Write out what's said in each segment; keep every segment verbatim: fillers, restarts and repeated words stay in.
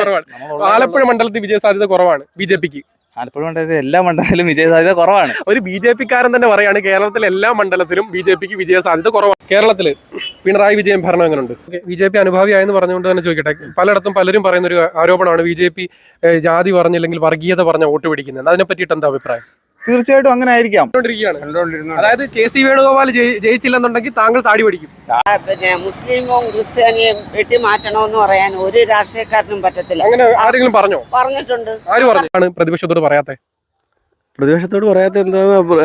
കുറവാണ്. ആലപ്പുഴ മണ്ഡലത്തിൽ വിജയ സാധ്യത കുറവാണ് ബി ജെ പിക്ക്. ആലപ്പുഴ മണ്ഡലത്തിൽ എല്ലാ മണ്ഡലത്തിലും വിജയ സാധ്യത കുറവാണ്. ഒരു ബി ജെ പിക്കാരൻ തന്നെ പറയാണ് കേരളത്തിലെ എല്ലാ മണ്ഡലത്തിലും ബി ജെ പിക്ക് വിജയ സാധ്യത കുറവാണ്. കേരളത്തില് പിണറായി വിജയൻ ഭരണം എങ്ങനെയുണ്ട്? ബി ജെ പി അനുഭാവിയായെന്ന് പറഞ്ഞുകൊണ്ട് തന്നെ ചോദിക്കട്ടെ, പലയിടത്തും പലരും പറയുന്ന ഒരു ആരോപണമാണ് ബി ജെ പി ജാതി പറഞ്ഞില്ലെങ്കിൽ വർഗീയത പറഞ്ഞ വോട്ട് പിടിക്കുന്നത്. അതിനെ പറ്റിയിട്ട് എന്താ അഭിപ്രായം? തീർച്ചയായിട്ടും അങ്ങനെ ആയിരിക്കാം. അതായത് കെ സി വേണുഗോപാൽ ജയിച്ചില്ലെന്നുണ്ടെങ്കിൽ താങ്കൾ താടി പഠിക്കും. പിന്നെ മുസ്ലിമും ക്രിസ്ത്യാനിയും വെട്ടി മാറ്റണമെന്ന് പറയാൻ ഒരു രാഷ്ട്രീയക്കാരനും പറ്റത്തില്ല. അങ്ങനെ ആരെങ്കിലും പറഞ്ഞോ? പറഞ്ഞിട്ടുണ്ട്. ആര് പറഞ്ഞാണ് പ്രതിപക്ഷത്തോട് പറയാത്തെ? പ്രതിപക്ഷത്തോട് പറയാത്ത എന്താ?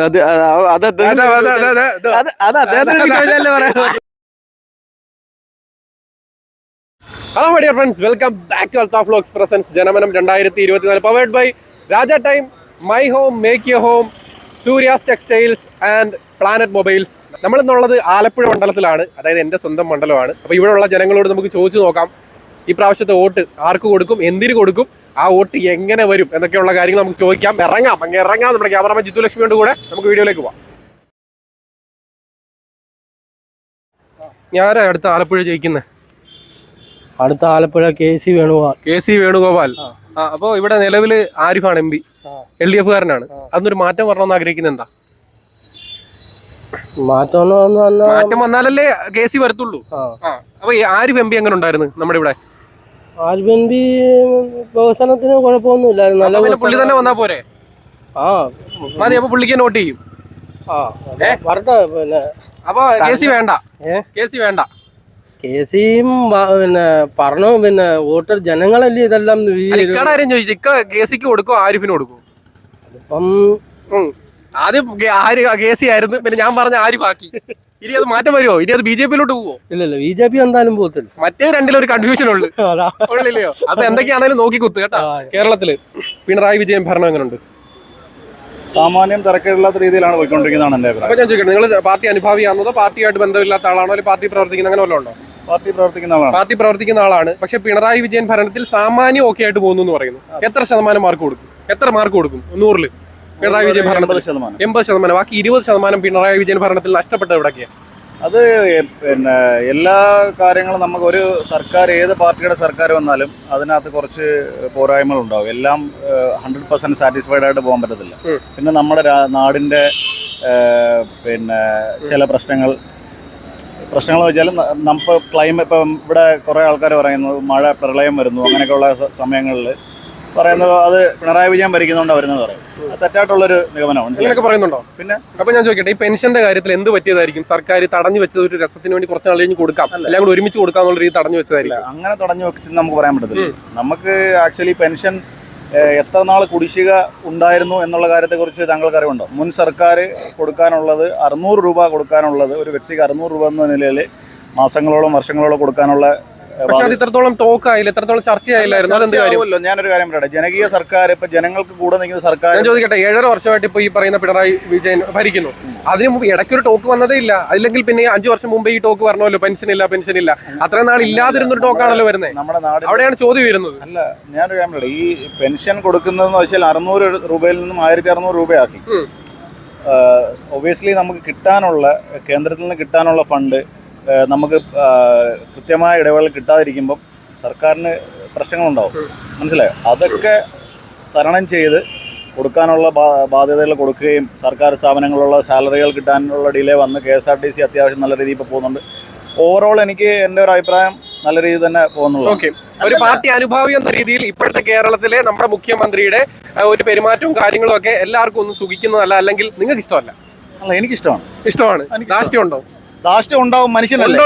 Hello my dear friends, welcome back to Althaf vlogs presents Janamanam രണ്ടായിരത്തി ഇരുപത്തിനാല്, powered by Raja time, my home make your home, Surya's textiles and planet mobiles. നമ്മളിന്നുള്ളത് ആലപ്പുഴ മണ്ഡലത്തിലാണ്, അതായത് എൻ്റെ സ്വന്തം മണ്ഡലമാണ്. അപ്പോൾ ഇവിടെയുള്ള ജനങ്ങളോട് നമുക്ക് ചോദിച്ചു നോക്കാം, ഈ പ്രാവശ്യത്തെ വോട്ട് ആർക്ക് കൊടുക്കും, എന്തിനു കൊടുക്കും, ആ വോട്ട് എങ്ങനെ വരും എന്നൊക്കെയുള്ള കാര്യങ്ങൾ നമുക്ക് ചോദിക്കാം. ഇറങ്ങാം, അങ്ങ് ഇറങ്ങാം. നമ്മുടെ ക്യാമറമാൻ ജിത്തു ലക്ഷ്മിയോട് കൂടെ നമുക്ക് വീഡിയോയിലേക്ക് പോവാം. ഞാനാ അടുത്ത ആലപ്പുഴ ജയിക്കുന്നത്? അടുത്ത Alappuzha K C Venugopal. K C Venugopal. ആ, അപ്പോ ഇവിടെ നിലവില് ആരിഫാണ് M P, L D F കാരനാണ്. അതൊന്നൊരു മാറ്റം വരണമെന്ന് ആഗ്രഹിക്കുന്നത് എന്താ? മാറ്റം മാറ്റം വന്നാലല്ലേ കെ സി വരത്തുള്ളൂ. അപ്പൊ ആരിഫ് എം പി എങ്ങനെ ഉണ്ടായിരുന്നു നമ്മുടെ ഇവിടെ? ആരിഫ് എം പി വികസനത്തിന് കുഴപ്പമൊന്നുമില്ലായിരുന്നു. പുള്ളി തന്നെ വന്നാ പോരെ? ആ മതി. അപ്പൊ പുള്ളിക്ക് നോട്ട് ചെയ്യും. വരട്ടെ. പിന്നെ അപ്പൊ കെ സി വേണ്ട, കെ സി വേണ്ട. കെ സിയും പിന്നെ പറഞ്ഞു, പിന്നെ വോട്ടർ ജനങ്ങളല്ലേ ഇതെല്ലാം. ഇക്കാര്യം ചോദിച്ചു, ഇക്ക കെ സിക്ക് കൊടുക്കും ആരിഫിന് കൊടുക്കും? അതിപ്പം ആദ്യം കെ സി ആയിരുന്നു, പിന്നെ ഞാൻ പറഞ്ഞ ആരിഫ് ആക്കി. ഇനി അത് മാറ്റം വരുമോ? ഇനി അത് ബി ജെ പിയിലോട്ട് പോവോ? ഇല്ലല്ലോ, ബി ജെ പി എന്തായാലും പോകത്തില്ല. മറ്റേ രണ്ടിലൊരു കൺഫ്യൂഷൻ ഉള്ളു ഉള്ളില്ലയോ? അപ്പൊ എന്തൊക്കെയാണെങ്കിലും നോക്കി കുത്ത് കേട്ടോ. കേരളത്തില് പിണറായി വിജയൻ ഭരണം എങ്ങനെയുണ്ട്? സാമാന്യം തിരക്കില്ലാത്ത രീതിയിലാണ് പോയിക്കൊണ്ടിരിക്കുന്നതാണ് എന്റെ അഭിപ്രായം. അപ്പൊ ഞാൻ ചോദിക്കട്ടെ, നിങ്ങൾ പാർട്ടി അനുഭാവിയാണെന്നോ പാർട്ടിയായിട്ട് ബന്ധമില്ലാത്ത ആളാണോ, അല്ലെങ്കിൽ പാർട്ടി പ്രവർത്തിക്കുന്ന അങ്ങനെ വല്ലതും ഉണ്ടോ? പാർട്ടി പ്രവർത്തിക്കുന്ന ആളാണ്. പാർട്ടി പ്രവർത്തിക്കുന്ന ആളാണ്. പക്ഷെ പിണറായി വിജയൻ ഭരണത്തിൽ സാമാന്യം ഓക്കെ ആയിട്ട് പോകുന്നു എന്ന് പറയുന്നു. എത്ര ശതമാനം മാർക്ക് കൊടുക്കും? എത്ര മാർക്ക് കൊടുക്കും നൂറില് പിണറായി വിജയൻ ഭരണത്തിൽ? എൺപത് ശതമാനം. ബാക്കി ഇരുപത് ശതമാനം പിണറായി വിജയൻ ഭരണത്തിൽ നഷ്ടപ്പെട്ടത് എവിടെയൊക്കെയാണ്? അത് പിന്നെ എല്ലാ കാര്യങ്ങളും നമുക്ക് ഒരു സർക്കാർ, ഏത് പാർട്ടിയുടെ സർക്കാർ വന്നാലും അതിനകത്ത് കുറച്ച് പോരായ്മകൾ ഉണ്ടാവും. എല്ലാം ഹൺഡ്രഡ് പെർസെന്റ് സാറ്റിസ്ഫൈഡ് ആയിട്ട് പോകാൻ പറ്റത്തില്ല. പിന്നെ നമ്മുടെ നാടിൻ്റെ പിന്നെ ചില പ്രശ്നങ്ങൾ പ്രശ്നങ്ങൾ വെച്ചാൽ നമുക്ക് ക്ലൈമറ്റ്, ഇപ്പം ഇവിടെ കുറേ ആൾക്കാർ പറയുന്നു മഴ, പ്രളയം വരുന്നു, അങ്ങനെയൊക്കെയുള്ള സമയങ്ങളിൽ പറയുന്നത് അത് പിണറായി വിജയൻ ഭരിക്കുന്നതുകൊണ്ട് വരുന്നത് പറയും. അത് തെറ്റായിട്ടുള്ളൊരു നിഗമനമാണ്. അങ്ങനെയൊക്കെ പറയുന്നുണ്ടോ? പിന്നെ അപ്പൊ ഞാൻ ചോദിക്കട്ടെ, ഈ പെൻഷന്റെ കാര്യത്തിൽ എന്ത് പറ്റിയതായിരിക്കും? സർക്കാർ തടഞ്ഞു വെച്ചത് ഒരു രസത്തിന് വേണ്ടി കുറച്ച് നാൾ കഴിഞ്ഞ് കൊടുക്കാം, എല്ലാം കൂടി ഒരുമിച്ച് കൊടുക്കാന്നുള്ള രീതി തടഞ്ഞു വെച്ചതായിരിക്കും. അങ്ങനെ തടഞ്ഞു വെച്ച് നമുക്ക് പറയാൻ പറ്റത്തില്ല. നമുക്ക് ആക്ച്വലി പെൻഷൻ എത്ര നാൾ കുടിശ്ശിക ഉണ്ടായിരുന്നു എന്നുള്ള കാര്യത്തെക്കുറിച്ച് താങ്കൾക്ക് അറിവുണ്ടോ? മുൻ സർക്കാർ കൊടുക്കാനുള്ളത് അറുന്നൂറ് രൂപ കൊടുക്കാനുള്ളത് ഒരു വ്യക്തിക്ക് അറുന്നൂറ് രൂപ എന്ന നിലയിൽ മാസങ്ങളോളം വർഷങ്ങളോളം കൊടുക്കാനുള്ള, പക്ഷെ അത് ഇത്രത്തോളം ടോക്ക് ആയില്ല, ഇത്രത്തോളം ചർച്ചയായില്ലായിരുന്നു. അതെന്ത് കാര്യമല്ലോ? ഞാനൊരു കാര്യം പറയട്ടെ, ജനകീയ സർക്കാർ, ഇപ്പൊ ജനങ്ങൾക്ക് കൂടെ നിൽക്കുന്ന സർക്കാർ. ഞാൻ ചോദിക്കട്ടെ, ഏഴര വർഷമായിട്ട് ഇപ്പൊ ഈ പറയുന്ന പിണറായി വിജയൻ ഭരിക്കുന്നു. അതിന് മുമ്പ് ഇടയ്ക്കൊരു ടോക്ക് വന്നതേ ഇല്ല. അല്ലെങ്കിൽ പിന്നെ അഞ്ചു വർഷം മുമ്പ് ഈ ടോക്ക് പറഞ്ഞല്ലോ, പെൻഷൻ ഇല്ല പെൻഷൻ ഇല്ല. അത്രയും നാൾ ഇല്ലാതിരുന്നൊരു ടോക്കാണല്ലോ വരുന്നത്. നമ്മുടെ നാട് അവിടെയാണ് ചോദ്യം വരുന്നത്. അല്ല, ഞാനൊരു കാര്യം പറയട്ടെ, ഈ പെൻഷൻ കൊടുക്കുന്നതെന്ന് വെച്ചാൽ അറുന്നൂറ് രൂപയിൽ നിന്നും ആയിരത്തി അറുന്നൂറ് രൂപയാക്കി. ഒബിയസ്ലി നമുക്ക് കിട്ടാനുള്ള, കേന്ദ്രത്തിൽ നിന്ന് കിട്ടാനുള്ള ഫണ്ട് നമുക്ക് കൃത്യമായ ഇടവേള കിട്ടാതിരിക്കുമ്പം സർക്കാരിന് പ്രശ്നങ്ങളുണ്ടാവും. മനസ്സിലായോ? അതൊക്കെ തരണം ചെയ്ത് കൊടുക്കാനുള്ള ബാധ്യതകൾ കൊടുക്കുകയും സർക്കാർ സ്ഥാപനങ്ങളിലുള്ള സാലറികൾ കിട്ടാനുള്ള ഡിലേ വന്ന് K S R T C അത്യാവശ്യം നല്ല രീതിയിൽ ഇപ്പോൾ പോകുന്നുണ്ട്. ഓവറോൾ എനിക്ക് എൻ്റെ ഒരു അഭിപ്രായം നല്ല രീതിയിൽ തന്നെ പോകുന്നുള്ളൂ. ഓക്കെ, ഒരു പാർട്ടി അനുഭാവി എന്ന രീതിയിൽ ഇപ്പോഴത്തെ കേരളത്തിലെ നമ്മുടെ മുഖ്യമന്ത്രിയുടെ ഒരു പെരുമാറ്റവും കാര്യങ്ങളും ഒക്കെ എല്ലാവർക്കും ഒന്നും സുഖിക്കുന്നതല്ല, അല്ലെങ്കിൽ നിങ്ങൾക്ക് ഇഷ്ടമല്ല? അല്ല, എനിക്കിഷ്ടമാണ്. ഇഷ്ടമാണ്. ധാർഷ്ട്യം ഉണ്ടോ? ധാർഷ്ട്യം ഉണ്ടാവും, മനുഷ്യനല്ലോ.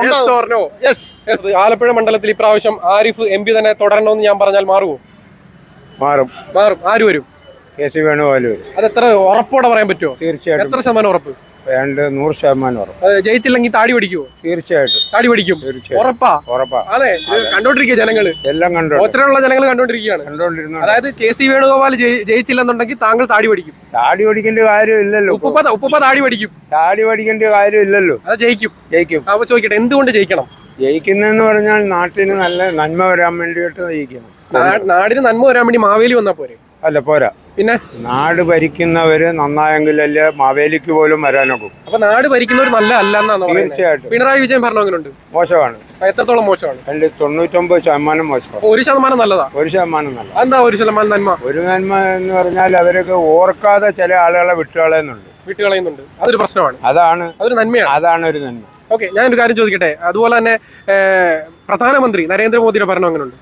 ആലപ്പുഴ മണ്ഡലത്തിൽ ഇപ്രാവശ്യം ആരിഫ് എം പി തന്നെ തുടരണമെന്ന് ഞാൻ പറഞ്ഞാൽ മാറുമോ? മാറും. മാറും. ആര് വരും? കെ സി വേണുഗോപാൽ വരും. അത് എത്ര ഉറപ്പോടെ പറയാൻ പറ്റുമോ? തീർച്ചയായിട്ടും. എത്ര ശതമാനം ഉറപ്പ്? രണ്ട് നൂറ് ശതമാനം ഉറപ്പ്. ജയിച്ചില്ലെങ്കിൽ താടി പഠിക്കുമോ? തീർച്ചയായിട്ടും താടി പഠിക്കും. ഉറപ്പാ? ഉറപ്പാ. അതെ, കണ്ടോണ്ടിരിക്കുക ജനങ്ങള്, എല്ലാം കണ്ടു, ഓച്ചറയുള്ള ജനങ്ങൾ കണ്ടോണ്ടിരിക്കുകയാണ്. കണ്ടോണ്ടിരുന്നു. അതായത് കെ സി വേണുഗോപാൽ ജയിച്ചില്ലെന്നുണ്ടെങ്കിൽ താങ്കൾ താടി പഠിക്കും. താടി പഠിക്കേണ്ട കാര്യം ഇല്ലല്ലോ. ഉപ്പ ഉപ്പ താടി പഠിക്കും. താടി പഠിക്കേണ്ട കാര്യം ഇല്ലല്ലോ. അത് ജയിക്കും. ജയിക്കും. അപ്പൊ ചോദിക്കട്ടെ, എന്തുകൊണ്ട് ജയിക്കണം? ജയിക്കുന്നെന്ന് പറഞ്ഞാൽ നാട്ടിന് നല്ല നന്മ വരാൻ വേണ്ടിയിട്ട് ജയിക്കണം. നാടിന് നന്മ വരാൻ വേണ്ടി മാവേലി വന്നാ പോരെ? അല്ല, പോരാ. പിന്നെ നാട് ഭരിക്കുന്നവര് നന്നായെങ്കിലല്ലേ മാവേലിക്ക് പോലും വരാനൊക്കും. അപ്പൊ നാട് ഭരിക്കുന്നവർ നല്ല അല്ല എന്നാണ് തീർച്ചയായിട്ടും പിണറായി വിജയൻ ഭരണം എങ്ങനെയുണ്ട്? മോശമാണ്. എത്രത്തോളം മോശമാണ്? അതിൽ തൊണ്ണൂറ്റൊമ്പത് ശതമാനം മോശമാണ്. ഒരു ശതമാനം നല്ലതാ, ഒരു ശതമാനം നല്ല. എന്താ ഒരു ശതമാനം നന്മ? ഒരു നന്മ എന്ന് പറഞ്ഞാൽ അവരൊക്കെ ഓർക്കാതെ ചില ആളുകളെ വിട്ടുകളയുന്നുണ്ട്, വിട്ടുകളയുന്നുണ്ട്. അതൊരു പ്രശ്നമാണ്, അതാണ് അതൊരു നന്മയാണ്, അതാണ് ഒരു നന്മ. ഓക്കെ, ഞാനൊരു കാര്യം ചോദിക്കട്ടെ. അതുപോലെ തന്നെ പ്രധാനമന്ത്രി നരേന്ദ്രമോദിയുടെ ഭരണം എങ്ങനെയുണ്ട്?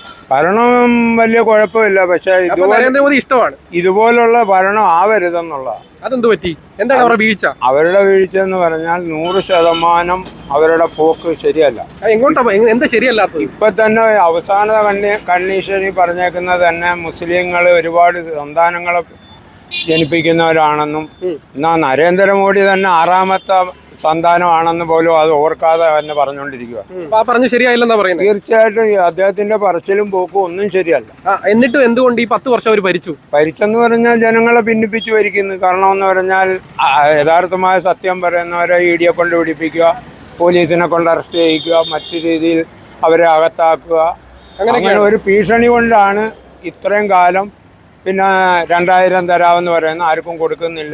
ഭരണം വലിയ കുഴപ്പമില്ല, പക്ഷെ അപ്പൊ നരേന്ദ്രമോദി ഇഷ്ടമാണ്. ഇതുപോലുള്ള ഭരണം ആവരുതെന്നുള്ള. അതെന്ത് പറ്റി? എന്താണ് അവരുടെ വീഴ്ച? അവരുടെ വീഴ്ച എന്ന് പറഞ്ഞാൽ നൂറ് ശതമാനം അവരുടെ പോക്ക് ശരിയല്ല. എങ്ങോട്ടാ, എന്താ ശരിയല്ലാത്തത്? ഇപ്പൊ തന്നെ അവസാന കണ്ണി കണ്ടീഷനിൽ പറഞ്ഞേക്കുന്നത് തന്നെ മുസ്ലിങ്ങൾ ഒരുപാട് സന്താനങ്ങളെ ജനിപ്പിക്കുന്നവരാണെന്നും, എന്നാ നരേന്ദ്രമോദി തന്നെ ആറാമത്തെ സന്താനമാണെന്ന് പോലും അത് ഓർക്കാതെ തന്നെ പറഞ്ഞുകൊണ്ടിരിക്കുക. പറഞ്ഞു ശരിയായില്ലെന്നാ പറയുന്നത്. തീർച്ചയായിട്ടും അദ്ദേഹത്തിന്റെ പറച്ചിലും പോക്കും ഒന്നും ശരിയല്ല. എന്നിട്ടും എന്തുകൊണ്ട് ഈ പത്ത് വർഷം അവർ ഭരിച്ചു? ഭരിച്ചെന്ന് പറഞ്ഞാൽ ജനങ്ങളെ ഭിന്നിപ്പിച്ച് ഭരിക്കുന്നു. കാരണം എന്ന് പറഞ്ഞാൽ യഥാർത്ഥമായ സത്യം പറയുന്നവരെ ഇ ഡിയെ കൊണ്ട് പിടിപ്പിക്കുക, പോലീസിനെ കൊണ്ട് അറസ്റ്റ് ചെയ്യിക്കുക, മറ്റു രീതിയിൽ അവരെ അകത്താക്കുക. അങ്ങനെ ഒരു ഭീഷണി കൊണ്ടാണ് ഇത്രയും കാലം. പിന്നെ രണ്ടായിരം തരാമെന്ന് പറയുന്ന ആർക്കും കൊടുക്കുന്നില്ല.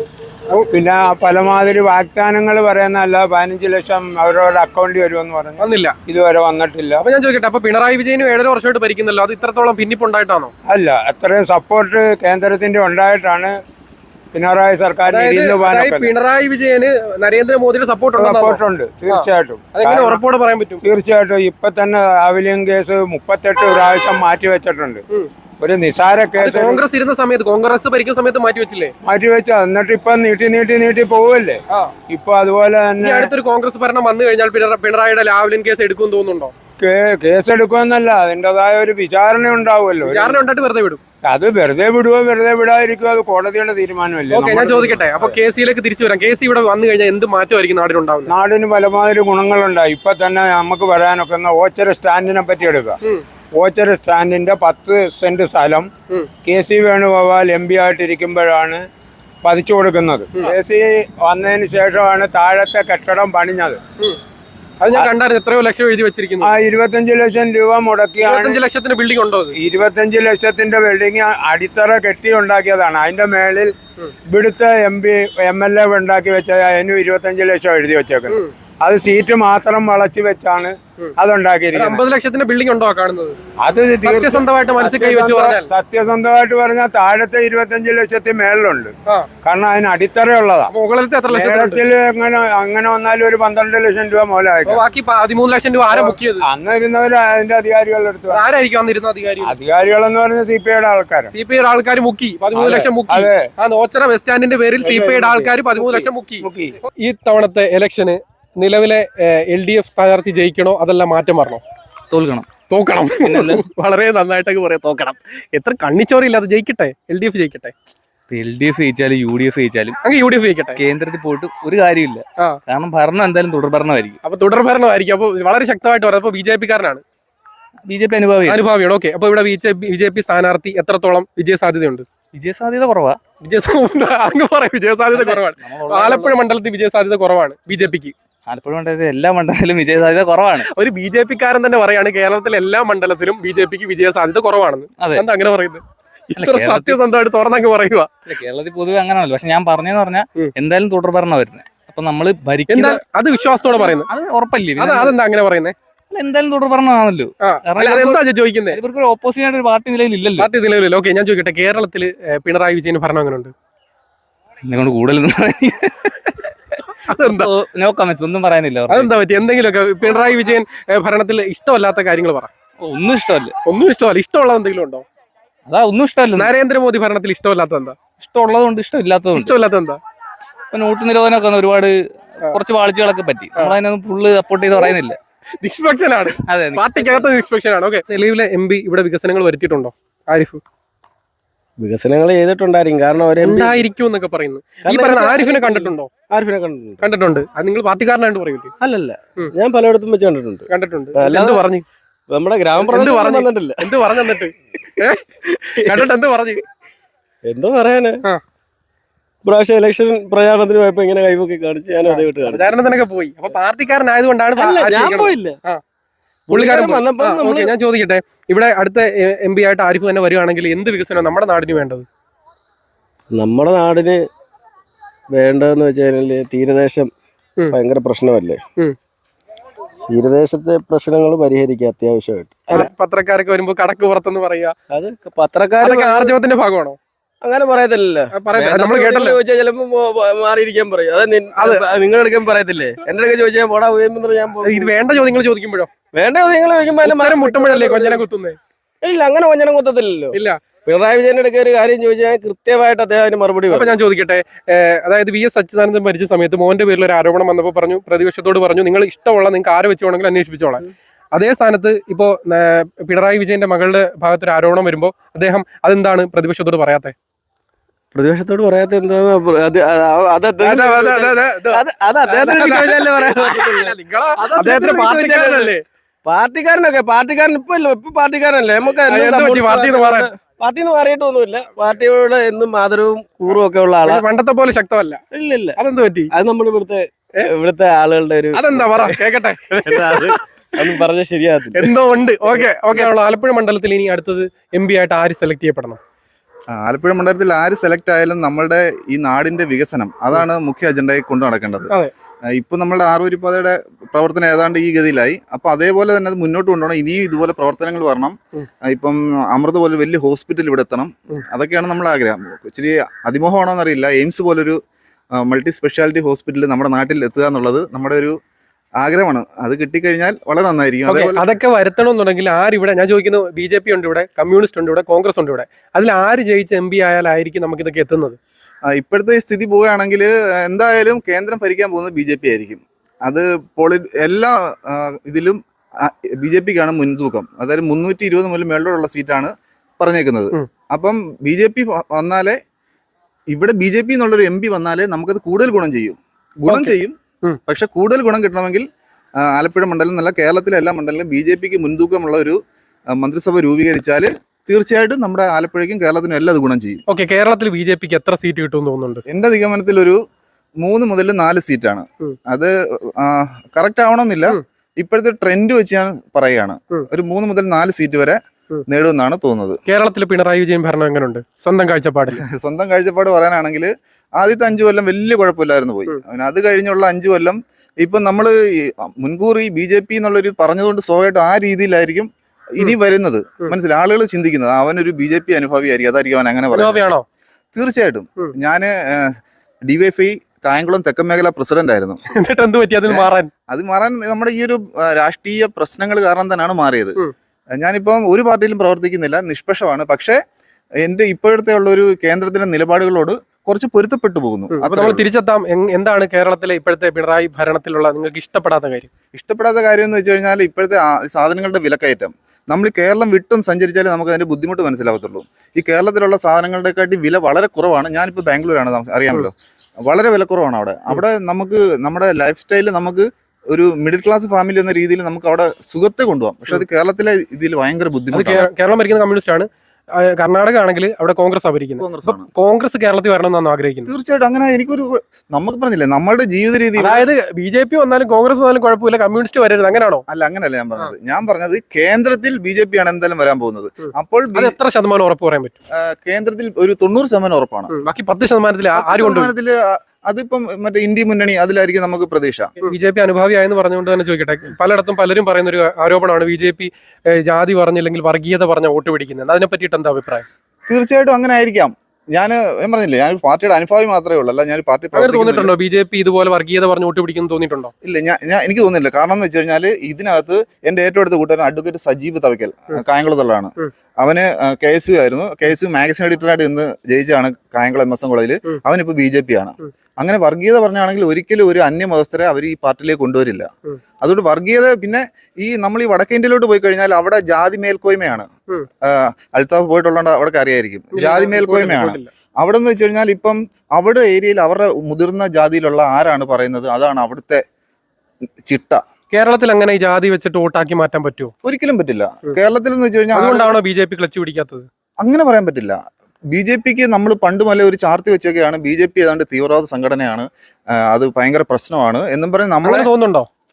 പിന്നെ പലമാതിരി വാഗ്ദാനങ്ങൾ പറയുന്നതല്ല, പതിനഞ്ച് ലക്ഷം അവരവരുടെ അക്കൗണ്ടിൽ വരുമെന്ന് പറഞ്ഞു, വന്നില്ല, ഇതുവരെ വന്നിട്ടില്ല. അപ്പൊ ഞാൻ ചോദിക്കട്ടെ, അപ്പൊ പിണറായി വിജയനും ഏഴര വർഷമായിട്ട് ഭരിക്കുന്നല്ലോ, അത് ഇത്രത്തോളം ഭിന്നിപ്പുണ്ടായിട്ടാണോ? അല്ല, അത്രയും സപ്പോർട്ട് കേന്ദ്രത്തിന്റെ ഉണ്ടായിട്ടാണ് പിണറായി സർക്കാരിന്. പിണറായി വിജയന് നരേന്ദ്രമോദിയുടെ സപ്പോർട്ട് സപ്പോർട്ടുണ്ട്, തീർച്ചയായിട്ടും. അതെങ്ങനെ ഉറപ്പോടെ പറയാൻ പറ്റും? തീർച്ചയായിട്ടും. ഇപ്പൊ തന്നെ ആവിലിയം കേസ് മുപ്പത്തെട്ട് പ്രാവശ്യം മാറ്റി വെച്ചിട്ടുണ്ട്. ഒരു നിസാര കേസ് കോൺഗ്രസ് ഇരുന്ന സമയത്ത്, കോൺഗ്രസ് ഭരിക്കുന്ന സമയത്ത് മാറ്റി വെച്ചില്ലേ? മാറ്റി വെച്ച, എന്നിട്ട് ഇപ്പൊ നീട്ടി നീട്ടി നീട്ടി പോവല്ലേ. ഇപ്പൊ അതുപോലെ തന്നെ അടുത്തൊരു കോൺഗ്രസ് ഭരണം വന്നു കഴിഞ്ഞാൽ പിണറായിയുടെ ലാവ്ലിൻ കേസ് എടുക്കും തോന്നുന്നുണ്ടോ? കേസ് എടുക്കുമെന്നല്ല, അതിൻ്റെതായ ഒരു വിചാരണ ഉണ്ടാവുമല്ലോ. വിചാരണ ഉണ്ടായിട്ട് വെറുതെ വിടും. അത് വെറുതെ വിടുവോ വെറുതെ വിടാതിരിക്കുവോ അത് കോടതിയുടെ തീരുമാനമല്ലേ. ഓക്കെ, ഞാൻ ചോദിക്കട്ടെ, അപ്പൊ കെ സിയിലേക്ക് തിരിച്ചു വരാം. കെ സി ഇവിടെ വന്നു കഴിഞ്ഞാൽ എന്ത് മാറ്റമായിരിക്കും നാടിനുണ്ടാവുന്നത്? നാടിന് പലമാതിരി ഗുണങ്ങളുണ്ടായി. ഇപ്പൊ തന്നെ നമുക്ക് പറയാനൊക്കുന്ന ഓച്ചര സ്റ്റാൻഡിനെ പറ്റി എടുക്കുക. ഓച്ചര സ്റ്റാൻഡിന്റെ പത്ത് സെന്റ് സ്ഥലം K C Venugopal M P ആയിട്ടിരിക്കുമ്പോഴാണ് പതിച്ചു കൊടുക്കുന്നത്. കെ സി വന്നതിന് ശേഷമാണ് താഴത്തെ കെട്ടിടം പണിഞ്ഞത്. അത് ഞാൻ കണ്ടായിരുന്നു, എത്രയോ ലക്ഷം എഴുതി വെച്ചിരിക്കുന്നു. ആ ഇരുപത്തഞ്ച് ലക്ഷം രൂപ മുടക്കിയാണ്. ഇരുപത്തഞ്ച് ലക്ഷത്തിന്റെ ബിൽഡിംഗ് ഉണ്ടോ? ഇരുപത്തഞ്ച് ലക്ഷത്തിന്റെ ബിൽഡിംഗ് അടിത്തറ കെട്ടി ഉണ്ടാക്കിയതാണ്. അതിന്റെ മേളിൽ ഇവിടുത്തെ M P M L A ഉണ്ടാക്കി വെച്ച അതിനും ഇരുപത്തഞ്ച് ലക്ഷം എഴുതി വെച്ചേക്കുന്നത്. അത് സീറ്റ് മാത്രം വളച്ചു വെച്ചാണ് അതുണ്ടാക്കിയിരിക്കുന്നത്. അമ്പത് ലക്ഷത്തിന്റെ ബിൽഡിംഗ് ഉണ്ടോ കാണുന്നത്? അത് സത്യസന്ധമായിട്ട് മനസ്സിൽ കൈ വെച്ച് പറഞ്ഞാൽ സത്യസന്ധമായിട്ട് പറഞ്ഞാൽ താഴത്തെ ഇരുപത്തഞ്ച് ലക്ഷത്തിൽ മേളിലുണ്ട്. കാരണം അതിന് അടിത്തറയുള്ളതാ. മുകളിലത്തെ എത്ര ലക്ഷത്തിൽ എങ്ങനെ അങ്ങനെ വന്നാലും ഒരു പന്ത്രണ്ട് ലക്ഷം രൂപ മുതലായിരിക്കും. ബാക്കി പതിമൂന്ന് ലക്ഷം രൂപ ആരാ ബുക്ക് ചെയ്ത്? അന്ന് ഇരുന്നവർ അതിന്റെ അധികാരികളുടെ അടുത്ത്. ആരായിരിക്കും അന്നിരുന്ന അധികാരി? അധികാരികളെന്ന് പറഞ്ഞ സി പി ഐയുടെ ആൾക്കാർ. സി പി ഐയുടെ ആൾക്കാർ മുക്കി പതിമൂന്ന് ലക്ഷം മുക്കി. ആ ഓച്ചറ ബസ് സ്റ്റാൻഡിന്റെ പേരിൽ സി പി ഐയുടെ ആൾക്കാർ പതിമൂന്ന് ലക്ഷം മുക്കി. ഈ തവണത്തെ ഇലക്ഷന് നിലവിലെ എൽ ഡി എഫ് സ്ഥാനാർത്ഥി ജയിക്കണോ അതല്ല മാറ്റം വരണോ? തോൽക്കണം. തോക്കണം. വളരെ നന്നായിട്ടൊക്കെ പറയാം, തോക്കണം. എത്ര കണ്ണിച്ചോറില്ലാതെ ജയിക്കട്ടെ, എൽ ഡി എഫ് ജയിക്കട്ടെ. എൽ ഡി എഫ് ജയിച്ചാലും യു ഡി എഫ് ജയിച്ചാലും അങ്ങ് യു ഡി എഫ് ജയിക്കട്ടെ. കേന്ദ്രത്തിൽ പോയിട്ട് ഒരു കാര്യമില്ല, കാരണം ഭരണം എന്തായാലും തുടർ ഭരണമായിരിക്കും. അപ്പൊ തുടർ ഭരണമായിരിക്കും. അപ്പൊ വളരെ ശക്തമായിട്ട് പറയാം. അപ്പൊ ബി ജെ പി കാരനാണ്, ബി ജെ പി അനുഭാവി അനുഭാവിയാണ്. ഓക്കെ, അപ്പൊ ഇവിടെ ബി ജെ പി സ്ഥാനാർത്ഥി എത്രത്തോളം വിജയ സാധ്യതയുണ്ട്? വിജയ സാധ്യത കുറവാ. വിജയ അങ്ങ് പറയാം, വിജയ സാധ്യത കുറവാണ്. ആലപ്പുഴ മണ്ഡലത്തിൽ വിജയ സാധ്യത കുറവാണ് ബി ജെ പിക്ക്. ആലപ്പുഴ മണ്ഡലത്തിൽ എല്ലാ മണ്ഡലത്തിലും വിജയ സാധ്യത കുറവാണ്. ഒരു ബി ജെ പിക്കാരൻ തന്നെ പറയാണ് കേരളത്തിലെ എല്ലാ മണ്ഡലത്തിലും ബി ജെ പിക്ക് വിജയ സാധ്യത കുറവാണെന്ന്. എന്താ അങ്ങനെ പറയുന്നത്? ഇത്ര സത്യസന്ധമായിട്ട് തുറന്നങ്ങ് പറയുക. കേരളത്തിൽ പൊതുവെ അങ്ങനെയല്ലോ. പക്ഷെ ഞാൻ പറഞ്ഞെന്ന് പറഞ്ഞാൽ എന്തായാലും തുടർ ഭരണം വരുന്നത്. അപ്പൊ നമ്മള് ഭരിക്കുന്ന അത് വിശ്വാസത്തോടെ പറയുന്നത് അത് ഉറപ്പല്ലേ? അതെന്താ അങ്ങനെ പറയുന്നത്? എന്തായാലും തുടർ ഭരണമാണല്ലോ. എന്താ ചോദിക്കുന്നത്? ഇവർക്ക് ഒരു ഓപ്പോസിറ്റ് ആയിട്ട് ഒരു പാർട്ടി നിലവിലില്ലല്ലോ. പാർട്ടി നിലവിലല്ലോ. ഓക്കെ, ഞാൻ ചോദിക്കട്ടെ, കേരളത്തിൽ പിണറായി വിജയൻ ഭരണം അങ്ങനെ ഉണ്ട്? എന്നെ കൊണ്ട് കൂടുതലൊന്നും അതെന്താ? നോ കമന്റ്സ്, ഒന്നും പറയാനില്ല. അതെന്താ പറ്റി? എന്തെങ്കിലുമൊക്കെ പിണറായി വിജയൻ ഭരണത്തിൽ ഇഷ്ടമല്ലാത്ത കാര്യങ്ങൾ പറ. ഒന്നും ഇഷ്ടമല്ല. ഒന്നും ഇഷ്ടമല്ല. ഇഷ്ടമുള്ളത് എന്തെങ്കിലും ഉണ്ടോ? അതാ ഒന്നും ഇഷ്ടമല്ല. നരേന്ദ്രമോദി ഭരണത്തിൽ ഇഷ്ടമല്ലാത്ത എന്താ? ഇഷ്ടമുള്ളതുകൊണ്ട് ഇഷ്ടമില്ലാത്തതുകൊണ്ട്. ഇഷ്ടമില്ലാത്ത എന്താ? ഇപ്പൊ നോട്ട് നിരോധനമൊക്കെ ഒരുപാട് കുറച്ച് വാഴ്ചകളൊക്കെ പറ്റി. നമ്മളതിനൊന്നും ഫുള്ള് സപ്പോർട്ട് ചെയ്ത് പറയുന്നില്ല. നിഷ്പക്ഷനാണ്, പാർട്ടിക്കകത്ത് നിഷ്പക്ഷനാണ്. ഓക്കെ, നിലവിലെ എം പി ഇവിടെ വികസനങ്ങൾ വരുത്തിയിട്ടുണ്ടോ ആരിഫ്? വികസനങ്ങൾ ചെയ്തിട്ടുണ്ടായിരിക്കും, കാരണം ഉണ്ടായിരിക്കും എന്നൊക്കെ പറയുന്നു. ഈ പറയുന്ന ആരിഫിനെ കണ്ടിട്ടുണ്ടോ? ആരിഫിനെ കണ്ടിട്ടുണ്ട്. കണ്ടിട്ടുണ്ട്. അത് നിങ്ങൾ പാർട്ടിക്കാരനായിട്ട് പറയൂലേ? അല്ലല്ല, ഞാൻ പലയിടത്തും വെച്ച് കണ്ടിട്ടുണ്ട്. കണ്ടിട്ടുണ്ട്. എന്ത് പറഞ്ഞു? നമ്മുടെ ഗ്രാമപ്രദേശം പറഞ്ഞിട്ടില്ല. എന്ത് പറഞ്ഞു എന്നിട്ട്? കണ്ടിട്ട് എന്ത് പറഞ്ഞു? എന്തോ പറയാന്, പ്രാവശ്യം ഇലക്ഷൻ പ്രചാരണത്തിന് പോയപ്പോ ഇങ്ങനെ കൈവൊക്കെ കാണിച്ച് ഞാൻ അതേ വിട്ട് പ്രചാരണത്തിനൊക്കെ പോയി. അപ്പൊ പാർട്ടിക്കാരനായതുകൊണ്ടാണ് ഞാൻ പോയില്ല. പുള്ളിക്കാരൻ വന്നപ്പോ. ഞാൻ ചോദിക്കട്ടെ, ഇവിടെ അടുത്ത എം പി ആയിട്ട് ആരിഫ് തന്നെ വരുവാണെങ്കിൽ എന്ത് വികസനം നമ്മുടെ നാടിന് വേണ്ടത്? നമ്മുടെ നാടിന് വേണ്ടതെന്ന് വെച്ച് കഴിഞ്ഞാല് തീരദേശം ഉം. ഭയങ്കര പ്രശ്നമല്ലേ. ഉം. തീരദേശത്തെ പ്രശ്നങ്ങൾ പരിഹരിക്കുക അത്യാവശ്യമായിട്ട്. അവിടെ പത്രക്കാരൊക്കെ വരുമ്പോ കടക്ക് പുറത്തെന്ന് പറയുക, അത് പത്രക്കാർ അതൊക്കെ ആർജവത്തിന്റെ ഭാഗമാണോ? അങ്ങനെ പറയത്തില്ലല്ലോ. നമ്മൾ കേട്ടല്ലോ. ചോദിച്ചാൽ ചിലപ്പോ മാറിയിരിക്കാൻ പറയും. അത് നിങ്ങളുടെ അടുക്കാൻ പറയത്തില്ലേ. എന്റെ അടുക്ക ചോദിച്ചാൽ പോടാ ഉയർന്നു ഞാൻ പോകും. ഇത് വേണ്ട ചോദ്യങ്ങൾ ചോദിക്കുമ്പോഴോ? വേണ്ട നിങ്ങൾ ചോദിക്കുമ്പോൾ മുട്ടുമ്പോഴല്ലേ കൊഞ്ഞനെ കുത്തുന്നേ? ഇല്ല, അങ്ങനെ വഞ്ചനം കുത്തത്തില്ലല്ലോ. ഇല്ല. പിണറായി വിജയന്റെ അടുക്ക ഒരു കാര്യം ചോദിച്ചാൽ കൃത്യമായിട്ട് അദ്ദേഹം അതിന് മറുപടി അപ്പൊ ഞാൻ ചോദിക്കട്ടെ, അതായത് വി എസ് അച്യുതാനന്ദൻ മരിച്ച സമയത്ത് മോന്റെ പേരിൽ ഒരു ആരോപണം വന്നപ്പോൾ പറഞ്ഞു, പ്രതിപക്ഷത്തോട് പറഞ്ഞു നിങ്ങൾ ഇഷ്ടമുള്ള നിങ്ങൾക്ക് ആരെ വെച്ചോണെങ്കിൽ അന്വേഷിപ്പിച്ചോളാം. അതേ സ്ഥാനത്ത് ഇപ്പോ പിണറായി വിജയന്റെ മകളുടെ ഭാഗത്തൊരു ആരോപണം വരുമ്പോ അദ്ദേഹം അതെന്താണ് പ്രതിപക്ഷത്തോട് പറയാത്തെ? പ്രതിപക്ഷത്തോട് പറയാത്ത എന്താന്ന് അത് അത് അദ്ദേഹത്തിന് പാർട്ടിക്കാരനല്ലേ? പാർട്ടിക്കാരനൊക്കെ പാർട്ടിക്കാരൻ ഇപ്പൊ ഇല്ല, ഇപ്പൊ പാർട്ടിക്കാരനല്ലേ. നമുക്ക് പാർട്ടിന്ന് മാറിയിട്ടൊന്നുമില്ല. പാർട്ടിയോട് എന്നും ആദരവും കൂറും ഒക്കെ ഉള്ള ആളാ. പണ്ടത്തെ പോലെ ശക്തമല്ല. ഇല്ല ഇല്ല. അതെന്ത് പറ്റി? അത് നമ്മൾ ഇവിടുത്തെ ഇവിടുത്തെ ആളുകളുടെ ഒരു അതെന്താ പറ കേക്കട്ടെ. അതൊന്നും പറഞ്ഞാൽ ശരിയാകത്തില്ല. എന്തോ ഉണ്ട്. ഓക്കെ ഓക്കെ ആലപ്പുഴ മണ്ഡലത്തിൽ ഇനി അടുത്തത് എം പി ആയിട്ട് ആര് സെലക്ട് ചെയ്യപ്പെടണം? ആലപ്പുഴ മണ്ഡലത്തിൽ ആര് സെലക്ട് ആയാലും നമ്മളുടെ ഈ നാടിന്റെ വികസനം അതാണ് മുഖ്യ അജണ്ടയായി കൊണ്ടു നടക്കേണ്ടത്. ഇപ്പൊ നമ്മളുടെ ആറുവരിപ്പാതയുടെ പ്രവർത്തനം ഏതാണ്ട് ഈ ഗതിയിലായി. അപ്പൊ അതേപോലെ തന്നെ അത് മുന്നോട്ട് കൊണ്ടുപോകണം. ഇനിയും ഇതുപോലെ പ്രവർത്തനങ്ങൾ വരണം. ഇപ്പം അമൃത പോലെ വലിയ ഹോസ്പിറ്റൽ ഇവിടെ എത്തണം. അതൊക്കെയാണ് നമ്മുടെ ആഗ്രഹം. ഇച്ചിരി അതിമോഹമാണോ എന്നറിയില്ല, എയിംസ് പോലൊരു മൾട്ടി സ്പെഷ്യാലിറ്റി ഹോസ്പിറ്റൽ നമ്മുടെ നാട്ടിൽ എത്തുക എന്നുള്ളത് നമ്മുടെ ഒരു ആഗ്രഹമാണ്. അത് കിട്ടിക്കഴിഞ്ഞാൽ വളരെ നന്നായിരിക്കും. അതേപോലെ അതൊക്കെ വരുത്തണമെന്നുണ്ടെങ്കിൽ ആരിവിടെ, ഞാൻ ചോദിക്കുന്നു, ബി ജെ പി ഉണ്ട് ഇവിടെ, കമ്മ്യൂണിസ്റ്റ് ഉണ്ട് ഇവിടെ, കോൺഗ്രസ് ഉണ്ട് ഇവിടെ, അതിൽ ആര് ജയിച്ച എം പി ആയാലായിരിക്കും നമുക്ക് ഇതൊക്കെ എത്തുന്നത്? ഇപ്പോഴത്തെ സ്ഥിതി പോവുകയാണെങ്കിൽ എന്തായാലും കേന്ദ്രം ഭരിക്കാൻ പോകുന്നത് ബി ജെ പി ആയിരിക്കും. അത് പോളി എല്ലാ ഇതിലും ബി ജെ പിക്കാണ് മുൻതൂക്കം. അതായത് മുന്നൂറ്റി ഇരുപത് മുതൽ മേളിലുള്ള സീറ്റാണ് പറഞ്ഞേക്കുന്നത്. അപ്പം ബി ജെ പി വന്നാലേ, ഇവിടെ ബി ജെ പി എന്നുള്ളൊരു എം പി വന്നാലേ നമുക്കത് കൂടുതൽ ഗുണം ചെയ്യും. ഗുണം ചെയ്യും. പക്ഷെ കൂടുതൽ ഗുണം കിട്ടണമെങ്കിൽ ആലപ്പുഴ മണ്ഡലം എന്നല്ല, കേരളത്തിലെ എല്ലാ മണ്ഡലങ്ങളിലും ബി ജെ പിക്ക് മുൻതൂക്കമുള്ള ഒരു മന്ത്രിസഭ രൂപീകരിച്ചാൽ തീർച്ചയായിട്ടും നമ്മുടെ ആലപ്പുഴയ്ക്കും കേരളത്തിനും എല്ലാം അത് ഗുണം ചെയ്യും. ഓക്കെ, കേരളത്തിൽ ബി ജെ പിക്ക് എത്ര സീറ്റ് കിട്ടുമെന്ന് തോന്നുന്നുണ്ട്? എന്റെ നിഗമനത്തിൽ ഒരു മൂന്ന് മുതൽ നാല് സീറ്റാണ്. അത് കറക്റ്റ് ആവണമെന്നില്ല, ഇപ്പോഴത്തെ ട്രെൻഡ് വെച്ച് ഞാൻ പറയുകയാണ്. ഒരു മൂന്ന് മുതൽ നാല് സീറ്റ് വരെ നേടുമെന്നാണ് തോന്നുന്നത്. കേരളത്തിൽ പിണറായി വിജയൻ ഭരണം എങ്ങനെയുണ്ട് സ്വന്തം കാഴ്ചപ്പാടിൽ? സ്വന്തം കാഴ്ചപ്പാട് പറയാനാണെങ്കിൽ ആദ്യത്തെ അഞ്ചു കൊല്ലം വലിയ കുഴപ്പമില്ലായിരുന്നു പോയി. അത് കഴിഞ്ഞുള്ള അഞ്ചു കൊല്ലം ഇപ്പം നമ്മൾ മുൻകൂർ ഈ ബി ജെ പി എന്നുള്ളൊരു പറഞ്ഞതുകൊണ്ട് സ്വാഭാവികമായിട്ടും ആ രീതിയിലായിരിക്കും ഇനി വരുന്നത്. മനസ്സിലായി, ആളുകൾ ചിന്തിക്കുന്നത് അവനൊരു ബി ജെ പി അനുഭാവി ആയിരിക്കും, അതായിരിക്കും അവൻ അങ്ങനെ പറയുന്നത്. തീർച്ചയായിട്ടും. ഞാന് ഡിവൈഎഫ്ഐ കായംകുളം തെക്കൻ മേഖല പ്രസിഡന്റ് ആയിരുന്നു. അത് മാറാൻ നമ്മുടെ ഈ ഒരു രാഷ്ട്രീയ പ്രശ്നങ്ങൾ കാരണം തന്നെയാണ് മാറിയത്. ഞാനിപ്പം ഒരു പാർട്ടിയിലും പ്രവർത്തിക്കുന്നില്ല, നിഷ്പക്ഷമാണ്. പക്ഷേ എന്റെ ഇപ്പോഴത്തെ ഉള്ള ഒരു കേന്ദ്രത്തിലെ നിലപാടുകളോട് കുറച്ച് പൊരുത്തപ്പെട്ടു പോകുന്നു. നമ്മൾ തിരിച്ചെത്താം. എന്താണ് കേരളത്തിലെ ഇപ്പോഴത്തെ പിണറായി ഭരണത്തിലുള്ള നിങ്ങൾക്ക് ഇഷ്ടപ്പെടാത്ത കാര്യം? ഇഷ്ടപ്പെടാത്ത കാര്യം എന്ന് വെച്ച് കഴിഞ്ഞാൽ ഇപ്പോഴത്തെ സാധനങ്ങളുടെ വിലക്കയറ്റം. നമ്മൾ കേരളം വിട്ടും സഞ്ചരിച്ചാലേ നമുക്ക് അതിന്റെ ബുദ്ധിമുട്ട് മനസ്സിലാവത്തുള്ളൂ. ഈ കേരളത്തിലുള്ള സാധനങ്ങളുടെക്കാട്ടി വില വളരെ കുറവാണ്. ഞാനിപ്പോൾ ബാംഗ്ലൂരാണ്, അറിയാമല്ലോ, വളരെ വിലക്കുറവാണ് അവിടെ. അവിടെ നമുക്ക് നമ്മുടെ ലൈഫ് സ്റ്റൈലിൽ നമുക്ക് ഒരു മിഡിൽ ക്ലാസ് ഫാമിലി എന്ന രീതിയിൽ നമുക്ക് അവിടെ സുഖത്തെ കൊണ്ടുപോകാം. പക്ഷെ അത് കേരളത്തിലെ ഇതിൽ ഭയങ്കര ബുദ്ധിമുട്ടാണ്. കേരളം ഭരിക്കുന്ന കമ്മ്യൂണിസ്റ്റ് ആണ്. കർണാടക ആണെങ്കിൽ അവിടെ കോൺഗ്രസ് ഭരിക്കുന്നത്. കോൺഗ്രസ് കേരളത്തിൽ വരണമെന്നാണ് ആഗ്രഹിക്കുന്നത്. തീർച്ചയായിട്ടും. അങ്ങനെ എനിക്കൊരു നമുക്ക് പറഞ്ഞില്ലേ നമ്മുടെ ജീവിത രീതി, അതായത് ബി ജെ പി വന്നാലും കോൺഗ്രസ് വന്നാലും കുഴപ്പമില്ല, കമ്മ്യൂണിസ്റ്റ് വരരുത്, അങ്ങനെയാണോ? അല്ല, അങ്ങനെയല്ല ഞാൻ പറഞ്ഞത്. ഞാൻ പറഞ്ഞത് കേന്ദ്രത്തിൽ ബി ജെ പി ആണ് എന്തായാലും വരാൻ പോകുന്നത്. അപ്പോൾ എത്ര ശതമാനം ഉറപ്പ് പറയാൻ പറ്റും? കേന്ദ്രത്തിൽ ഒരു തൊണ്ണൂറ് ശതമാനം ഉറപ്പാണ്. ബാക്കി പത്ത് ശതമാനത്തിൽ ശതമാനത്തില് അതിപ്പം മറ്റേ ഇന്ത്യ മുന്നണി അതിലായിരിക്കും നമുക്ക് പ്രതീക്ഷ. ബി ജെ പി അനുഭാവിയായെന്ന് പറഞ്ഞുകൊണ്ട് തന്നെ ചോദിക്കട്ടെ, പലയിടത്തും പലരും പറയുന്ന ഒരു ആരോപണമാണ് ബി ജെ പി ജാതി പറഞ്ഞില്ലെങ്കിൽ വർഗീയത പറഞ്ഞ വോട്ട് പിടിക്കുന്നത്. അതിനെ പറ്റിയിട്ട് എന്താ അഭിപ്രായം? തീർച്ചയായിട്ടും അങ്ങനെ ആയിരിക്കാം. ഞാൻ ഞാൻ പറഞ്ഞില്ലേ, ഞാൻ പാർട്ടിയുടെ അനുഭാവി മാത്രമേ ഉള്ളൂ, അല്ല ഞാൻ പാർട്ടി തോന്നിയിട്ടുണ്ടോ ബി ജെ പി ഇതുപോലെ വർഗീയത പറഞ്ഞ് വോട്ട് പിടിക്കുന്നു തോന്നിയിട്ടുണ്ടോ? ഇല്ല, ഞാൻ ഞാൻ എനിക്ക് തോന്നുന്നില്ല. കാരണം എന്ന് വെച്ച് കഴിഞ്ഞാൽ ഇതിനകത്ത് എന്റെ ഏറ്റവും അടുത്ത കൂട്ടുകാരൻ അഡ്വക്കേറ്റ് സജീവ് തവയ്ക്കൽ കായംകുളത്തുള്ളതാണ്. അവന് കെ എസ് യു ആയിരുന്നു. കെ എസ് യു മാഗസിൻ എഡിറ്ററായിട്ട് ഇന്ന് ജയിച്ചാണ് കായംകുളം എം എസ് എൻ കോളേജിൽ. അവനിപ്പോൾ ബി ജെ പി ആണ്. അങ്ങനെ വർഗീയത പറഞ്ഞാണെങ്കിൽ ഒരിക്കലും ഒരു അന്യമതസ്ഥരെ അവർ ഈ പാർട്ടിയിലേക്ക് കൊണ്ടുവരില്ല. അതുകൊണ്ട് വർഗീയത, പിന്നെ ഈ നമ്മൾ ഈ വടക്കേ ഇന്ത്യയിലോട്ട് പോയി കഴിഞ്ഞാൽ അവിടെ ജാതി മേൽക്കോയ്മയാണ്. അൽത്താഫ് പോയിട്ടുള്ളത് അവിടെ അറിയായിരിക്കും. ജാതി മേൽക്കോയ്മയാണ് അവിടെ എന്ന് വെച്ച് കഴിഞ്ഞാൽ ഇപ്പം അവിടെ ഏരിയയിൽ അവരുടെ മുതിർന്ന ജാതിയിലുള്ള ആരാണ് പറയുന്നത് അതാണ് അവിടുത്തെ ചിട്ട. കേരളത്തിൽ അങ്ങനെ ഈ ജാതി വെച്ചിട്ട് വോട്ടാക്കി മാറ്റാൻ പറ്റുമോ? ഒരിക്കലും പറ്റില്ല. കേരളത്തിൽ എന്ന് വെച്ച് കഴിഞ്ഞാൽ അതുകൊണ്ടാണോ ബി ജെ പി ക്ലച്ച് പിടിക്കാത്തത്? അങ്ങനെ പറയാൻ പറ്റില്ല. ബി ജെ പിക്ക് നമ്മൾ പണ്ട് മുതലേ ഒരു ചാർത്തി വെച്ചൊക്കെയാണ് ബി ജെ പി ഏതാണ്ട് തീവ്രവാദ സംഘടനയാണ്, അത് ഭയങ്കര പ്രശ്നമാണ് എന്നും പറഞ്ഞ് നമ്മളെ തോന്നുന്നുണ്ടോ?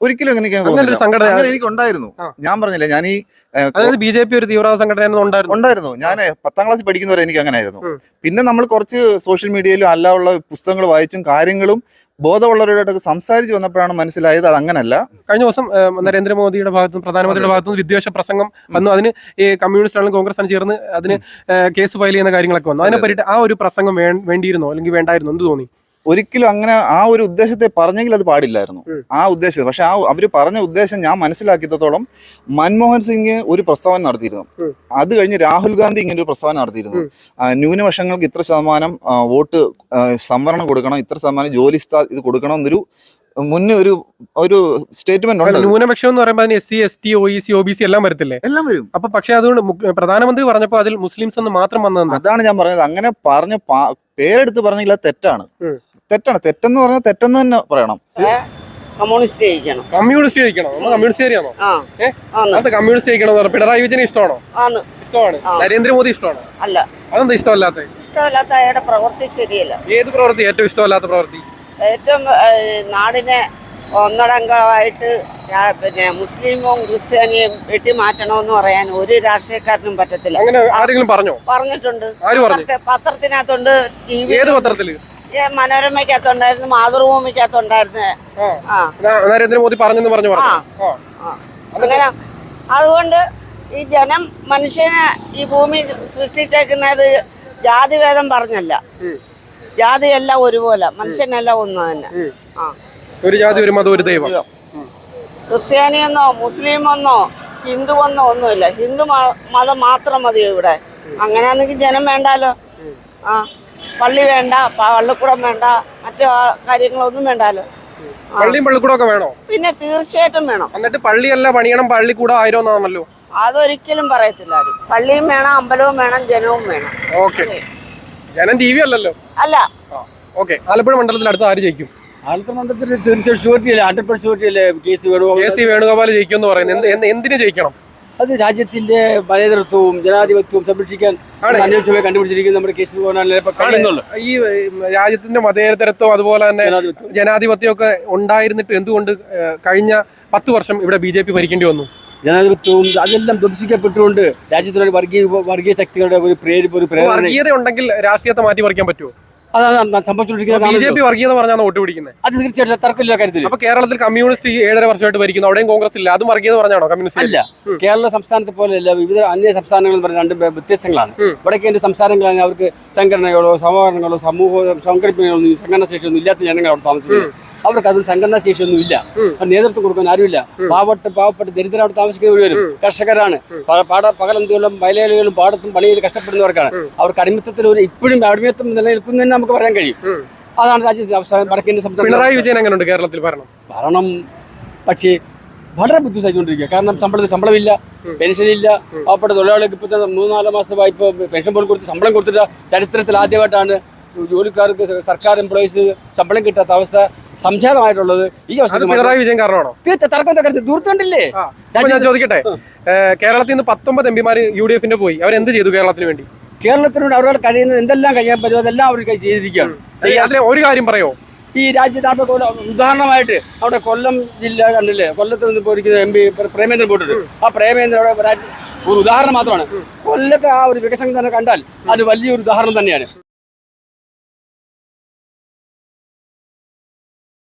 ഒരിക്കലും അങ്ങനെ എനിക്ക് അങ്ങനെ ഒരു തോന്നുന്നില്ല. സംഘടന അങ്ങനെ എനിക്ക് ഉണ്ടായിരുന്നു. ആ. ഞാൻ പറഞ്ഞില്ലേ, ഞാൻ ഈ ഏ, അതായത് ബി ജെ പി ഒരു തീവ്രവാദ സംഘടന ഉണ്ടായിരുന്നു. ഉണ്ടായിരുന്നു. ഞാൻ പത്താം ക്ലാസ്സിൽ പഠിക്കുന്നവരെ എനിക്ക് അങ്ങനെ ആയിരുന്നു. ഉം. പിന്നെ നമ്മൾ കുറച്ച് സോഷ്യൽ മീഡിയയിലും അല്ലാതുള്ള പുസ്തകങ്ങൾ വായിച്ചും കാര്യങ്ങളും ബോധമുള്ളവരോടൊക്കെ സംസാരിച്ച് വന്നപ്പോഴാണ് മനസ്സിലായത് അത് അങ്ങനല്ല. കഴിഞ്ഞ ദിവസം ഏഹ്, നരേന്ദ്രമോദിയുടെ ഭാഗത്തും പ്രധാനമന്ത്രിയുടെ ഭാഗത്തും വിദ്വേഷ പ്രസംഗം വന്നു. അതിന് ഈ കമ്മ്യൂണിസ്റ്റ് ആണെങ്കിലും കോൺഗ്രസ് ആണ് ചേർന്ന് അതിന് ഏഹ്, കേസ് ഫയൽ ചെയ്യുന്ന കാര്യങ്ങളൊക്കെ വന്നു. അതിനെ പറ്റിയിട്ട് ആ ഒരു പ്രസംഗം വേ- വേണ്ടിയിരുന്നോ അല്ലെങ്കിൽ വേണ്ടായിരുന്നോ, എന്ത് തോന്നി? ഒരിക്കലും അങ്ങനെ ആ ഒരു ഉദ്ദേശത്തെ പറഞ്ഞെങ്കിൽ അത് പാടില്ലായിരുന്നു. ഉം. ആ ഉദ്ദേശം പക്ഷെ ആ അവർ പറഞ്ഞ ഉദ്ദേശം ഞാൻ മനസ്സിലാക്കിയത്തോളം മൻമോഹൻ സിംഗ് ഒരു പ്രസ്താവന നടത്തിയിരുന്നു. ഉം. അത് കഴിഞ്ഞ് രാഹുൽ ഗാന്ധി ഇങ്ങനെ ഒരു പ്രസ്താവന നടത്തിയിരുന്നു. ഉം. ആ, ന്യൂനപക്ഷങ്ങൾക്ക് ഇത്ര ശതമാനം ആ, വോട്ട് ആ, സംവരണം കൊടുക്കണം, ഇത്ര ശതമാനം ജോലി സ്ഥാ ഇത് കൊടുക്കണം എന്നൊരു മുന്നേ ഒരു ഒരു സ്റ്റേറ്റ്മെന്റ് ഉണ്ട്. ന്യൂനപക്ഷം എന്ന് പറയുമ്പോൾ അതിന് S C S T O E C O B C എല്ലാം വരത്തില്ലേ? എല്ലാം വരും. അപ്പൊ പക്ഷെ അതുകൊണ്ട് മു- പ്രധാനമന്ത്രി പറഞ്ഞപ്പോൾ അതിൽ മുസ്ലിംസ് എന്ന് മാത്രം വന്നതെന്താ? അതാണ് ഞാൻ പറഞ്ഞത്. അങ്ങനെ പറഞ്ഞ പാ- പേരെടുത്ത് പറഞ്ഞെങ്കിൽ അത് തെറ്റാണ്. ഉം. തെറ്റാണ്. തെറ്റെന്ന് പറഞ്ഞാൽ തെറ്റെന്ന് തന്നെ പറയണം. കമ്മ്യൂണിസ്റ്റ് ജയിക്കണം. കമ്മ്യൂണിസ്റ്റ് ജയിക്കണം. നമ്മൾ കമ്മ്യൂണിസ്റ്റ് ഏരിയാണോ? ആ ഏഹ് ആന്ന് അത് കമ്മ്യൂണിസ്റ്റ് ജയിക്കണം എന്ന് പറഞ്ഞാൽ പിണറായി വിജയനെ ഇഷ്ടമാണോ? ആന്ന് ഇഷ്ടമാണ്. ആ. നരേന്ദ്രമോദി ഇഷ്ടമാണോ? അല്ല, അതെന്താ ഇഷ്ടമല്ലാത്ത? ഇഷ്ടമല്ലാത്ത അയാളുടെ പ്രവൃത്തി ശരിയല്ല. ഏത് പ്രവൃത്തി ഏറ്റവും ഇഷ്ടമല്ലാത്ത പ്രവൃത്തി? ഏറ്റവും ഏഹ്, നാടിനെ ഒന്നടങ്കമായിട്ട് രാ- പിന്നെ മുസ്ലിമും ക്രിസ്ത്യാനിയും വെട്ടി മാറ്റണമെന്ന് പറയാൻ ഒരു രാഷ്ട്രീയക്കാരനും പറ്റത്തില്ല. അങ്ങനെ ആരെങ്കിലും പറഞ്ഞോ? പറഞ്ഞിട്ടുണ്ട്. ആര് പറഞ്ഞു? പത്രത്തെ- പത്രത്തിനകത്തുണ്ട്, ടി വി ഏത് പത്രത്തില്? മനോരമയ്ക്കകത്തുണ്ടായിരുന്നു, മാതൃഭൂമിക്കകത്തുണ്ടായിരുന്നു. ആ ആ ന- നരേന്ദ്രമോദി പറഞ്ഞെന്ന് പറഞ്ഞു പറഞ്ഞു. ആ. ആ. അങ്ങനെ അതുകൊണ്ട് ഈ ജനം മനുഷ്യനെ ഈ ഭൂമി സൃഷ്ടിച്ചേക്കുന്നത് ജാതിഭേദം പറഞ്ഞല്ല. ഉം. ജാതിയെല്ലാം ഒരുപോലെ, മനുഷ്യനെല്ലാം ഒന്ന് തന്നെ. ഉം. ആ ഒരു ജാതി ഒരു മതം ഒരു ദൈവം. ക്രിസ്ത്യാനിയെന്നോ മുസ്ലിമെന്നോ ഹിന്ദുവെന്നോ ഒന്നുമില്ല. ഹിന്ദു മ- മതം മാത്രം മതിയോ ഇവിടെ? അങ്ങനെയാണെങ്കിൽ ജനം വേണ്ടാലോ. ആ പള്ളി വേണ്ട, പ- പള്ളിക്കൂടം വേണ്ട, മറ്റു ആ കാര്യങ്ങളൊന്നും വേണ്ടാലോ. പള്ളിയും പള്ളിക്കൂടൊക്കെ വേണോ? പിന്നെ തീർച്ചയായിട്ടും വേണം. എന്നിട്ട് പള്ളിയല്ല പണിയണം, പള്ളിക്കൂടം ആയിരം എന്നാണല്ലോ. അതൊരിക്കലും പറയത്തില്ല ആരും. പള്ളിയും വേണം, അമ്പലവും വേണം, ജനവും വേണം. ഓക്കെ. ജനം ടി വി അല്ലല്ലോ. അല്ല, ഓക്കെ. ആലപ്പുഴ മണ്ഡലത്തിൽ അടുത്ത ആര് ജയിക്കും? ആലത്തൂർ മണ്ഡലത്തിൽ തീർച്ചയായിട്ടും ഷുവർട്ടിയല്ലേ, ഹൺഡ്രഡ് പെർസെന്റ് ഷുവർട്ടിയല്ലേ കേസ് കെ വേണു. സി വേണുഗോപാൽ ജയിക്കും എന്ന് പറയുന്നത് എന്ത്- എന്ത്- എന്തിന് ജയിക്കണം? അത് രാജ്യത്തിന്റെ മതേതരത്വവും ജനാധിപത്യവും സംരക്ഷിക്കാൻ ആണ്. അന്വേഷണമായി കണ്ടുപിടിച്ചിരിക്കുന്ന നമ്മുടെ കേസ് കഴിയുന്നുള്ളൂ. ഈ ഏഹ്, രാജ്യത്തിന്റെ മതേതരത്വം അതുപോലെ തന്നെ ജനാധിപത്യം ജനാധിപത്യം ഒക്കെ ഉണ്ടായിരുന്നിട്ട് എന്തുകൊണ്ട് ഏഹ്, കഴിഞ്ഞ പത്ത് വർഷം ഇവിടെ ബി ജെ പി ഭരിക്കേണ്ടി വന്നു? ജനാധിപത്യവും അതെല്ലാം ധ്വംസിക്കപ്പെട്ടുകൊണ്ട് രാജ്യത്തിലെ വർഗീയ വർഗീയ ശക്തികളുടെ ഒരു പ്രേരിപ്പ് ഒരു പ്രേരണ വർഗീയത ഉണ്ടെങ്കിൽ രാഷ്ട്രീയത്തെ മാറ്റി പറിക്കാൻ പറ്റുമോ? അതാണ് ബി ജെ സംഭവിച്ചുകൊണ്ടിരിക്കുന്നത്. പി വർഗീയത പറഞ്ഞാണ് വോട്ട് പിടിക്കുന്നത്. അത് തീർച്ചയായിട്ടും തർക്കമില്ല കാര്യത്തിൽ. അപ്പൊ കേരളത്തിൽ കമ്മ്യൂണിസ്റ്റ് ഈ ഏഴര വർഷമായിട്ട് ഭരിക്കുന്നു, അവിടെയും കോൺഗ്രസ് ഇല്ല, അതും വർഗീയത പറഞ്ഞാണോ കമ്മ്യൂണിസ്റ്റ്? അല്ല, കേരള സംസ്ഥാനത്തെ പോലെയല്ല, വിവിധ അന്യ സംസ്ഥാനങ്ങൾ എന്ന് പറഞ്ഞ രണ്ട് വെ- വ്യത്യസ്തങ്ങളാണ്. ഉം. വടക്കേന്റെ സംസ്ഥാനങ്ങളാണ് അവർക്ക് സംഘടനകളോ സമാഹരണങ്ങളോ സമൂഹ സംഘടിപ്പികളോ ഒന്നും സംഘടനാ ശേഷിയൊന്നും ഇല്ലാത്ത ജനങ്ങൾ അവിടെ താമസിക്കുന്നത്. അവർക്ക് അതിൽ സംഘടനാ ശേഷിയൊന്നും ഇല്ല. അപ്പോൾ നേതൃത്വം കൊടുക്കാൻ ആരുമില്ല. പാവപ്പെട്ട പാവപ്പെട്ട ദരിദ്രം അവിടെ താമസിക്കുന്നവർ വരും. കർഷകരാണ്. പ- പാട പകലന്തികളും വയലേലുകളും പാടത്തും പണി ചെയ്ത് കഷ്ടപ്പെടുന്നവർക്കാണ്. അവർക്ക് അടിമത്തത്തിൽ ഒരു ഇപ്പോഴും അടിമത്തം നിലനിൽക്കുന്നതെന്ന് നമുക്ക് പറയാൻ കഴിയും. അതാണ് രാജ്യത്തിന്റെ അവസ്ഥ. വടക്കേന്റെ സംസ്ഥാനം പിണറായി വിജയൻ എങ്ങനെയുണ്ട് കേരളത്തിൽ ഭരണം? ഭരണം പക്ഷേ വളരെ ബുദ്ധിമുട്ടിക്കൊണ്ടിരിക്കുക. കാരണം ശമ്പളത്തിൽ ശമ്പളമില്ല, പെൻഷനില്ല. പാവപ്പെട്ട തൊഴിലാളികൾക്ക് ഇപ്പോഴത്തെ മൂന്നാല് മാസമായി ഇപ്പോൾ പെൻഷൻ പോലും കൊടുത്ത് ശമ്പളം കൊടുത്തിട്ട് ചരിത്രത്തിൽ ആദ്യമായിട്ടാണ് ജോലിക്കാർക്ക് സർക്കാർ എംപ്ലോയീസ് ശമ്പളം കിട്ടാത്ത അവസ്ഥ സംജാതമായിട്ടുള്ളത്. ഈ അത് പിണറായി വിജയൻ കാരണമാണോ? തർക്കം ദൂരത്തുണ്ടല്ലേ. അപ്പൊ ഞാൻ ചോദിക്കട്ടെ, ഏഹ്, കേരളത്തിൽ നിന്ന് പത്തൊമ്പത് എം പിമാര് യു ഡി എഫിന്റെ പോയി, അവരെന്ത് ചെയ്തു കേരളത്തിന് വേണ്ടി? കേരളത്തിനോട് അവരോട് കഴിയുന്നത് എന്തെല്ലാം കഴിയാൻ പറ്റുമോ അതെല്ലാം അവർ ചെയ്തിരിക്കുകയാണ്. അതിലെ ഒരു കാര്യം പറയോ? ഈ രാജ്യത്ത് ഉദാഹരണമായിട്ട് അവിടെ കൊല്ലം ജില്ല കണ്ടില്ലേ, കൊല്ലത്ത് നിന്ന് പോയിരിക്കുന്ന എം പി പ്രേമേന്ദ്രൻ പോയിട്ടുണ്ട്. ആ പ്രേമേന്ദ്രൻ അവിടെ ഒരു ഉദാഹരണം മാത്രമാണ്. കൊല്ലത്തെ ആ ഒരു വികസനം തന്നെ കണ്ടാൽ അത് വലിയൊരു ഉദാഹരണം തന്നെയാണ്.